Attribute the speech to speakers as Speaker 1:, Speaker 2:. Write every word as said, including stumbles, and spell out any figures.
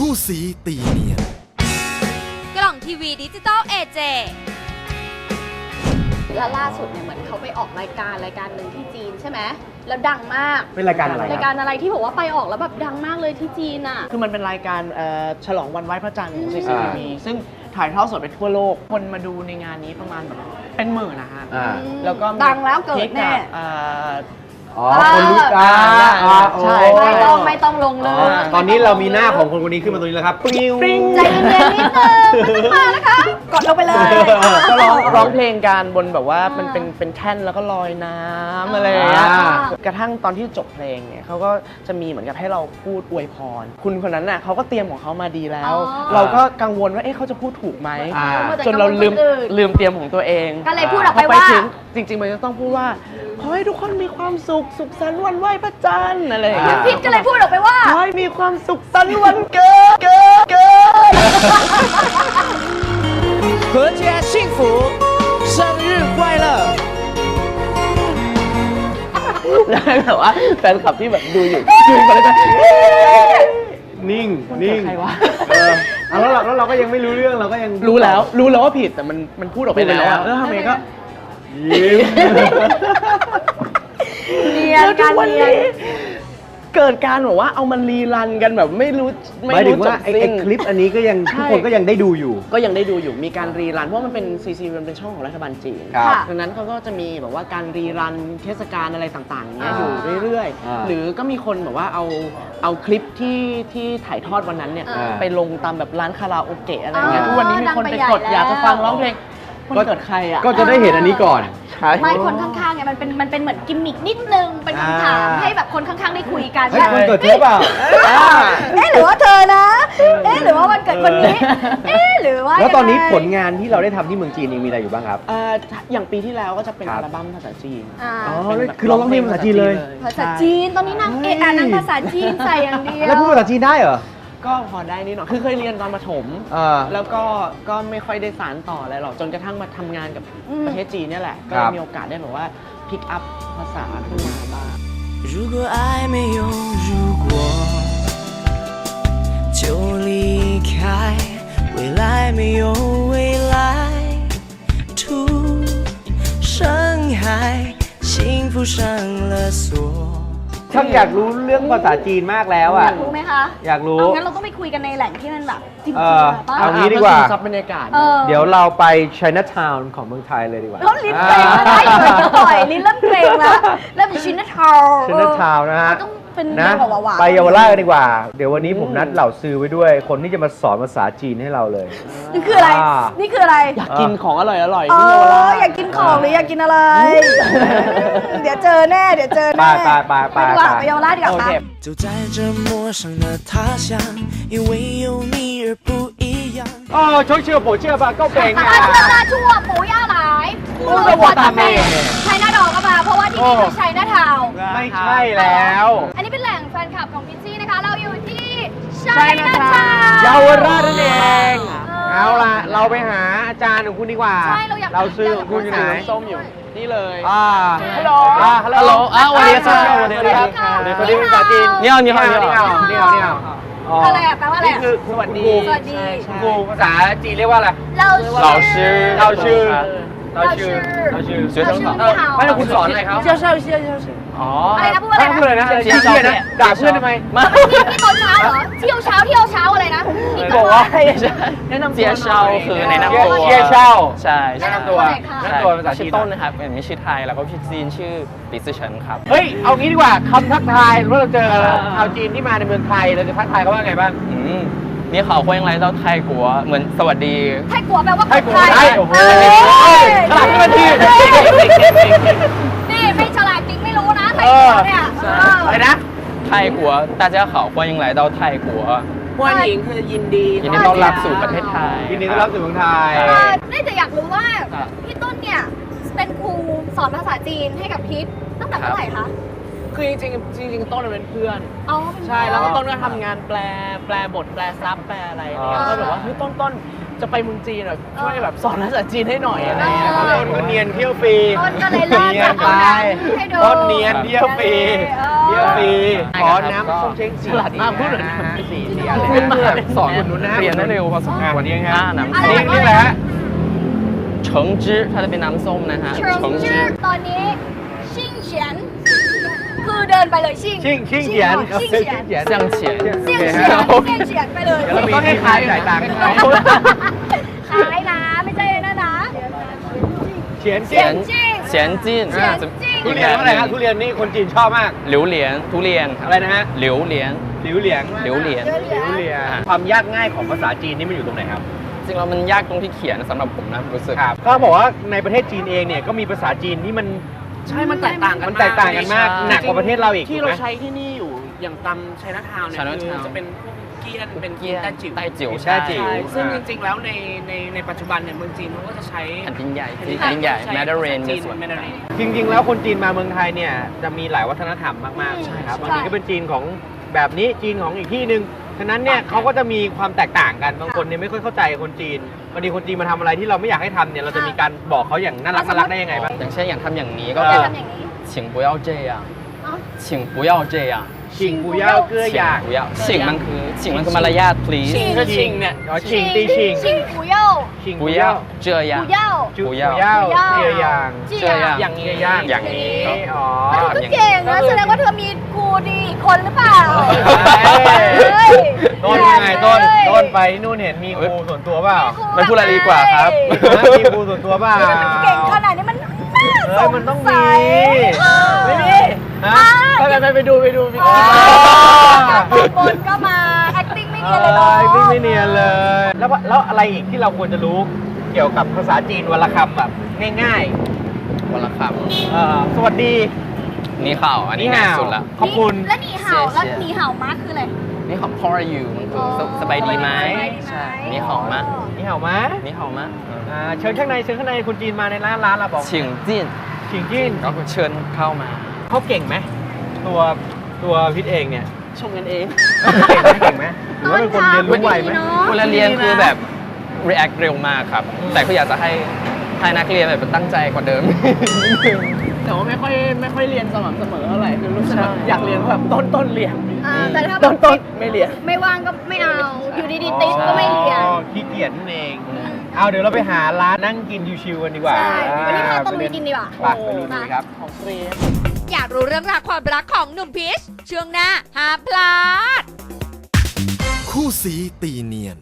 Speaker 1: คู่สีตีเนียน
Speaker 2: กล่องทีวีดิจิตอลเอเจ
Speaker 3: แล้วล่าสุดเนี่ยเหมือนเขาไปออกรายการรายการหนึ่งที่จีนใช่ไหมแล้วดังมาก
Speaker 4: เป็นรายการอะไร
Speaker 3: รายการอะไรที่บอกว่าไปออกแล้วแบบดังมากเลยที่จีนอ่ะ
Speaker 5: คือมันเป็นรายการฉลองวันไหว้พระจันทร์ของ ซี ซี ที วี ซึ่งถ่ายทอดสดไปทั่วโลกคนมาดูในงานนี้ประมาณแบบเป็นหมื่นนะฮะแล้วก็
Speaker 3: ดังแล้วเกิดแน่
Speaker 4: อ๋อคนรู้จัก
Speaker 5: ใช่
Speaker 3: ไม่ต้องไม่ต้องลงเลย
Speaker 4: ตอนนี้เรามีหน้าของคนคนนี้ขึ้นมาตรงนี้แล้วครับปริ้ว
Speaker 3: ใจเย็นๆนิดนึงไม่ต้องมานะคะกดลงไปเลย
Speaker 5: ก็ร้องร้องเพลงกันบนแบบว่ามันเป็นเป็นแท่นแล้วก็ลอยน้ำอะไรอย่างเงี้ยกระทั่งตอนที่จบเพลงเนี่ยเขาก็จะมีเหมือนกับให้เราพูดอวยพรคุณคนนั้นน่ะเขาก็เตรียมของเขามาดีแล้วเราก็กังวลว่าเอ๊ะเขาจะพูดถูกไหมจนเราลืมลืมเตรียมของตัวเอง
Speaker 3: ก็เลยพูดออกไปว่า
Speaker 5: จริงๆมันจะต้องพูดว่าขอให้ทุกคนมีความสุขสุขสันต์วันไหว้พระจันทร์อะไรอย่างเงี้ย
Speaker 3: พิษก็เลยพูดออกไปว่า
Speaker 5: ขอให้มีความสุขสันต์วันเกิดเกิดเกิด
Speaker 1: 和谐幸福生日快乐
Speaker 5: แล้วแต่ว่าแฟนคลับที่แบบดูอยู่ดูไปแล้วจะ
Speaker 4: นิ่งนิ่ง
Speaker 5: ใครวะ
Speaker 4: เออแล้วเราแล้วเราก็ยังไม่รู้เรื่องเราก็ยัง
Speaker 5: รู้แล้วรู้แล้วว่าผิดแต่มันมันพูดออกไปแล้วแล้วทำไมก็
Speaker 4: ยิ้ม
Speaker 3: เรียนการเรียน
Speaker 5: เกิดการแบบว่าเอามันรีรันกันแบบไม่รู้
Speaker 4: ไม่รู้ว่าไอ้คลิปอันนี้ก็ยังทุกคนก็ยังได้ดูอยู่
Speaker 5: ก็ยังได้ดูอยู่มีการรีรันเพราะมันเป็น ซี ซี มันเป็นช่องของรัฐบาลจีนดังนั้นเขาก็จะมีแบบว่าการรีรันเทศกาลอะไรต่างๆเนี้ยอยู่เรื่อยๆหรือก็มีคนแบบว่าเอาเอาคลิปที่ที่ถ่ายทอดวันนั้นเนี่ยไปลงตามแบบร้านคาราโอเกะอะไรเงี้ยทุกวันนี้มีคนไปกดอยากจะฟังร้องเพลงก็เกิดใครอ่ะ
Speaker 4: ก็จะได้เห็นอันนี้ก่อน
Speaker 3: ไม่คนข้างๆไงมันเป็นมันเป็นเหมือนกิมมิกนิดนึงเป็นคำถามให้แบบคนข้างๆได้คุยกัน
Speaker 4: ให้คนเกิดเธอเปล่า
Speaker 3: เอ๊ะหรือว่าเธอนะเอ๊ะหรือว่าวันเกิดคนนี้เอ๊ะหรือว่า
Speaker 4: แล้วตอนนี้ผลงานที่เราได้ทำที่เมืองจีนมีอะไรอยู่บ้างครับ
Speaker 5: อย่างปีที่แล้วก็จะเป็นอัลบั้มภาษาจีน
Speaker 4: อ๋อคือเราร้องเพลงภาษาจีนเลย
Speaker 3: ภาษาจีนตอนนี้นางเอกอ่านนางภาษาจีนใส่อย่างเดียว
Speaker 4: แล้วพูดภาษาจีนได้เหรอ
Speaker 5: ก็พอได้นิดหน่อยคือเคยเรียนตอนประถมแล้วก็ก็ไม่ค่อยได้สานต่ออะไรหรอกจนกระทั่งมาทำงานกับประเทศจีนนี่แหละก็มีโอกาสได้แบบว่าพิกอัพภาษาขึ้นมาบ้าง
Speaker 1: 如果爱没有如果就离开未来没有未来图深海幸福上了锁
Speaker 4: ช่างอยากรู้เรื่องภาษาจีนมากแล้วอ่ะ
Speaker 3: อยากรู้ไหมคะ
Speaker 4: อยากรู้
Speaker 3: งั้นเราต้องไปคุยกันในแหล่งที่มันแบบจริงๆป่ะ
Speaker 4: เอางี้ดีกว่า
Speaker 5: ซับบรรยากาศ
Speaker 4: เดี๋ยวเราไป Chinatown ของเมืองไทยเลยดีกว่า
Speaker 3: แล้วลิ้นเกรงมาได้อยู่บ่อยลิ้นเริ่มเกรงแล้วเริ่มเป็น Chinatown
Speaker 4: Chinatown นะฮะ
Speaker 3: ต้องเป็น
Speaker 4: นะไปเยาวราชกันดีกว่าเดี๋ยววันนี้ผมนัดเหล่าซื้อไว้ด้วยคนที่จะมาสอนภาษาจีนให้เราเลย
Speaker 3: นี่คืออะไรนี่คืออะไร
Speaker 5: อยากกินของอร่อยอร่อย
Speaker 3: ที่เยาวราชอยากกินของหรืออยากกินอะไรเดี๋ยวเจอแน่เดี๋ยวเจอแน่
Speaker 4: ไปไปไป
Speaker 3: ไปไปเยาวราชดีกว่าค่ะ
Speaker 1: 就在这陌生的他乡因为有你而不一样
Speaker 4: 哦从这不这吧够北
Speaker 3: 啊เชื่อมาชั่วปู่ย่าหลายพูดว่าตาเมไชน่าดอกก็มาเพราะว่าที่นี่คือไชน่าทาวน์
Speaker 4: ไม่ใช่แล้ว
Speaker 3: อันนี้เป็นแหล่งแฟนคลับของพิซซี่นะคะเราอยู่ที่ไชน่าทาวน์
Speaker 4: เยาวราชนั่นเองเอาล่ะเราไปหาอาจารย์ของคุณดีกว่า
Speaker 3: ใช่เราอยาก
Speaker 4: เราซื้อของคุณอยู่ไหน
Speaker 5: ส้มอยู่นี่เลย
Speaker 4: อ่า
Speaker 5: ฮัลโหล
Speaker 4: ฮัลโหล
Speaker 5: อ่าสวัสดีครับ
Speaker 4: สวัสดีครับสวัสดีภาษาจีน
Speaker 5: นี่เอานี่เอา
Speaker 4: นี่เอานี่เอานี่เอา
Speaker 3: อะไรอ่ะแปลว่าอะไร
Speaker 4: นี่คือสวัสดี
Speaker 3: สวัสดี
Speaker 4: ครูภาษาจีนเรียกว่าอะไร
Speaker 3: เรา
Speaker 4: ชื่อเราชื่อเราชื่อเราชื่อ
Speaker 5: 学生好
Speaker 4: ไม่ต้องคุณสอนอะไรเขา
Speaker 5: 介绍一下介绍
Speaker 4: อ๋อ
Speaker 3: อะไรนะพูดอะไรนะ
Speaker 4: พูดเลยนะเจียเจียนะด่าเพื่อนทำไม
Speaker 3: มานี่ตอนเช้าเหรอเที่ยวเช้าเที่ยวเช้าอะไรนะ
Speaker 5: บอกว่าให้แนะนำเจียเช้าคือแนะนำตัว
Speaker 4: เจียเช้า
Speaker 5: ใช่
Speaker 4: แนะนำตัวแนะนำตัวภาษาจีน
Speaker 5: ชื่อต้นนะครับอันนี้ชื่อไทยแล้วก็พี่จีนชื่อปิซือเฉินครับ
Speaker 4: เฮ้ยเอางี้ดีกว่าคำทักทายเมื่อเราเจอชาวจีนที่มาในเมืองไทยเราจะทักทายเขาว่าไงบ้าง
Speaker 5: นี่เขา欢迎来到泰国เหมือนสวัสดี
Speaker 3: ไทยกัวแปลว่า
Speaker 4: ไทยกัวไทยโอ้โหฉลาดที่มันดี
Speaker 3: นี่ไม่ฉลาดจริงไม่รู้นะไทยกัวเนี่ย
Speaker 4: อะไรนะ
Speaker 5: 泰国大家好欢迎来到泰国
Speaker 3: 欢迎คือยินดี
Speaker 5: ยินดีต้อนรับสู่ประเทศไทย
Speaker 4: ยินดีต้อนรับสู่เมืองไทย
Speaker 3: น่าจะอยากรู้ว่าพี่ต้นเนี่ยเป็นครูสอนภาษาจีนให้กับพิษตั้งแต่เมื่อไหร่คะ
Speaker 5: คือจริงๆจริงๆต้นเป็นเพื่อน
Speaker 3: อ๋อ
Speaker 5: ใช่แล้วก็ต้นก็ทำงานแปลแปลบทแปลซับแปลอะไรเนี่ยก็แบบว่าเฮ้ยต้นต้นจะไปเมืองจีนแบบช่วยแบบสอนภาษาจีนให้หน่อยอะไรอย่างเงี้ย
Speaker 3: เออ
Speaker 4: ต้นก็เนียนเที่ยวฟรี
Speaker 3: ต้นก็เลยเลิกจากเอาน้ำให้ดู
Speaker 4: ต้นเนียนเที่ยวฟรี
Speaker 3: เออ
Speaker 4: เที่ยวฟรี
Speaker 5: ใช่
Speaker 4: ขอ
Speaker 5: ครับ
Speaker 4: น้ำส้มเช้ง
Speaker 5: ฉลาดมากพูดเหมือน
Speaker 4: นะ
Speaker 5: กัน
Speaker 4: ฮะสี่สี่อัน
Speaker 5: พูดมา
Speaker 4: เลยสอนคุณนุ้นนะ
Speaker 6: เรียนได้เร็วพอสมควร
Speaker 4: นี่ครับ
Speaker 6: อ่าน้ำ
Speaker 4: อัน
Speaker 6: ส้
Speaker 4: นี้
Speaker 6: ม
Speaker 4: เรียกอะไรฮะ
Speaker 6: เฉิงจื้อถ้าจะเป็นน้ำส้มนะฮะ
Speaker 3: เชิง
Speaker 6: เฉิง
Speaker 3: ชื่
Speaker 6: จื้
Speaker 3: อ
Speaker 6: อ
Speaker 3: ตอนนี้ชิงเฉียน คือเดินไปเลยชิง
Speaker 4: ชิงชิงเฉียน
Speaker 3: ชิงเฉียน
Speaker 4: เฉียน
Speaker 6: เสี่ยงเฉียน
Speaker 3: เสี่ยง
Speaker 4: โอเค
Speaker 3: เฉียน
Speaker 4: ฮะ
Speaker 3: เสี่ยงเฉียนไปเลย
Speaker 4: เดี๋ยวเรามีที่ค้าจ่ายตังค์
Speaker 3: ขายนะไม่ใช่นะนะ
Speaker 4: เฉียน
Speaker 3: เฉี
Speaker 4: เฉี
Speaker 3: ย
Speaker 4: ย
Speaker 3: น
Speaker 4: น
Speaker 3: จิ้ง
Speaker 6: เฉียนจิ้น
Speaker 3: เฉียนจิ้น
Speaker 4: ทุเรียนว่าอะไรครับทุเรียนนี่คนจีนชอบมาก
Speaker 6: หลิวเหรียญทุเรียนคบ
Speaker 4: อะไรนะฮะ
Speaker 6: หลิวเหรียญ
Speaker 4: หลิวเหลียง
Speaker 6: หลิวเหรียญ
Speaker 4: หลิวเหลียงความยากง่ายของภาษาจีนนี่มันอยู่ตรงไหนครับ
Speaker 6: จริงๆแล้วมันยากตรงที่เขียนสำหรับผมนะรู้สึก
Speaker 4: ครับก็บอกว่าในประเทศจีนเองเนี่ยก็มีภาษาจีนที่มัน
Speaker 5: ใช่ มันแตกต่างกัน
Speaker 4: มันแตกต่างกันมาก
Speaker 6: ใช่
Speaker 4: หนักกว่าประเทศเราอีก
Speaker 5: ที่
Speaker 4: ถูก
Speaker 5: เรา
Speaker 4: ไหม
Speaker 5: ใช้ที่นี่อยู่อย่างตำไชน่าทาวน์เนี่ย
Speaker 6: Chinatown
Speaker 5: คือจะเป็นพวกเกียนเป็นเกียนแต้จิ๋ว
Speaker 6: ใต้จิ๋ว
Speaker 4: ใช่จิ๋ว
Speaker 5: ใช่ซึ่งจริงๆแล้วในในในปัจจุบันเนี่ยเมืองจีนเขาก็จะใช้
Speaker 6: แผ่นดินใหญ่
Speaker 5: แผ่
Speaker 6: แผ่นดินใหญ่
Speaker 5: ช้
Speaker 6: แมดเดเรน
Speaker 5: จีน
Speaker 6: ส่วน
Speaker 5: แมดเดเรน
Speaker 4: จริง ๆ แล้วคนจีนมาเมืองไทยเนี่ยจะมีหลายวัฒนธรรมมากๆ
Speaker 3: ใช่
Speaker 4: ครับ
Speaker 3: ใช่
Speaker 4: บางทีก็เป็นจีนของแบบนี้จีนของอีกที่หนึ่งฉะนั้นเนี่ยเขาก็จะมีความแตกต่างกันบางคนเนี่ยไม่ค่อยเข้าใจคนจีนบางทีคนจีนมาทำอะไรที่เราไม่อยากให้ทำเนี่ยเราจะมีการบอกเขาอย่างน่ารักน่ารักได้ยังไงบ้าง
Speaker 6: อย่างเช่นอย่างทำอย่างนี้ก็
Speaker 4: เอ
Speaker 3: จะ
Speaker 6: คือ
Speaker 3: ทำอย่างนี้
Speaker 6: 请不要这样
Speaker 3: เอ้า
Speaker 6: 请不要这样
Speaker 4: ชิงปูเย่าเกลือหยาง
Speaker 6: 请不要请มันคือ请มันคือมารยาท please
Speaker 5: ชิงก็ชิงเนี่ย
Speaker 4: อ๋อชิงตีชิง
Speaker 3: ชิง不要
Speaker 4: ชิง
Speaker 6: 不要这样
Speaker 3: 不要
Speaker 4: จุ
Speaker 6: ปู
Speaker 4: ปู
Speaker 6: เย่า
Speaker 4: เย่า
Speaker 3: ปูเย่า
Speaker 4: เกลือหยาง
Speaker 6: 这样
Speaker 5: อย่างนี้
Speaker 4: เกลือย่าง
Speaker 6: อย่างนี้
Speaker 4: อ๋อ
Speaker 3: เธอก็เก่งนะแสดงว่าเธอมีครูดีอีกคนหรือเปล่า
Speaker 4: เฮ้ย
Speaker 3: เฮ้ย
Speaker 4: ต้นยังไงต้น
Speaker 3: เฮ้ย
Speaker 4: ต้นไปที่นู่นเห็นมีครูส่วนตัวเปล่า
Speaker 6: ไม่พูดอะไรดีกว่าครับ
Speaker 4: นะมีครูส่วนตัวเปล่า
Speaker 3: เก่งขนาดนี้มันน่าส
Speaker 4: เฮ้ย
Speaker 3: ง
Speaker 4: มันต้อง
Speaker 3: สั
Speaker 4: มี
Speaker 3: ยเออ
Speaker 4: ไม่มีฮะ
Speaker 5: ไปไปไปไปดูไปดูไป
Speaker 3: อ๋
Speaker 5: ดู
Speaker 3: อตอนบนก็มา acting ไม่
Speaker 4: เอ
Speaker 3: เนียนเลยเนาะ
Speaker 4: อไม่ไม่เนียนเลย แล้วว่าแล้วอะไรอีกที่เราควรจะรู้เกี่ยวกับภาษาจีนวลคำแบบง่าย
Speaker 6: วันละค
Speaker 4: ๆเอ่อสวัสดี
Speaker 6: ำนี่ข่าวอันนี้ง่ายสุดละ
Speaker 4: ขอบคุณ
Speaker 3: แล้วหนีเห่า
Speaker 6: เสีย
Speaker 3: แล้วหนีเห่ามาคืออะไร
Speaker 6: นี่ข่าว how are you มันคือสสบายดีไหม
Speaker 3: สบายดีไหม
Speaker 6: ใช่นี่ข่าวมะ
Speaker 4: นี่เห่ามะ
Speaker 6: นี่ข่าวมะ
Speaker 4: อ่าเชิญข้างในเชิญข้างในคุณจีนมาในร้านร้านเราบอก
Speaker 6: 请进
Speaker 4: ชิงจีน
Speaker 6: ก็คือเชิญเข้ามา
Speaker 4: เขาเก่งไหมตัวตัวพิษเองเนี่ย
Speaker 5: ชมกันเอง
Speaker 4: เก่งไหมเก่งไหมหรือว่าเป็นคนเรียนรู้ไวไหม
Speaker 3: เนอะ
Speaker 6: เวลาเรียนคือแบบ react เร็วมากครับ แต่ก็อยากจะให้ให้นักเรียนแบบตั้งใจกว่าเดิม
Speaker 5: แต่ว่าไม่ค่อยไม่ค่อยเรียนสม่ำเสมอเท่าไหร่คือรู้สึกแบบ
Speaker 6: ใช่
Speaker 5: อยากเรียนแบบต้นต้นเรียน
Speaker 3: อ่าแต่ถ้าแบ
Speaker 5: ต้
Speaker 3: บ
Speaker 5: นต้นไม่เรียน
Speaker 3: ไม่ว่างก็ไม่เอา อยู่ดีๆติดก็ไม่เรียน
Speaker 4: อ๋อขี้เกียจนั่นเอง เอาเดี๋ยวเราไปหาร้านนั่งกินชิวๆกันดีกว่า
Speaker 3: ใช่วันนี้พาต้น
Speaker 4: ไป
Speaker 3: ไปกินดีกว่า
Speaker 4: ไปไปลุยกันครับ
Speaker 5: ของฟรี
Speaker 2: อยากรู้เรื่องราวความรักของหนุ่มพีชช่วงหน้าห้ามพลาด
Speaker 7: คู่สีตีเนียน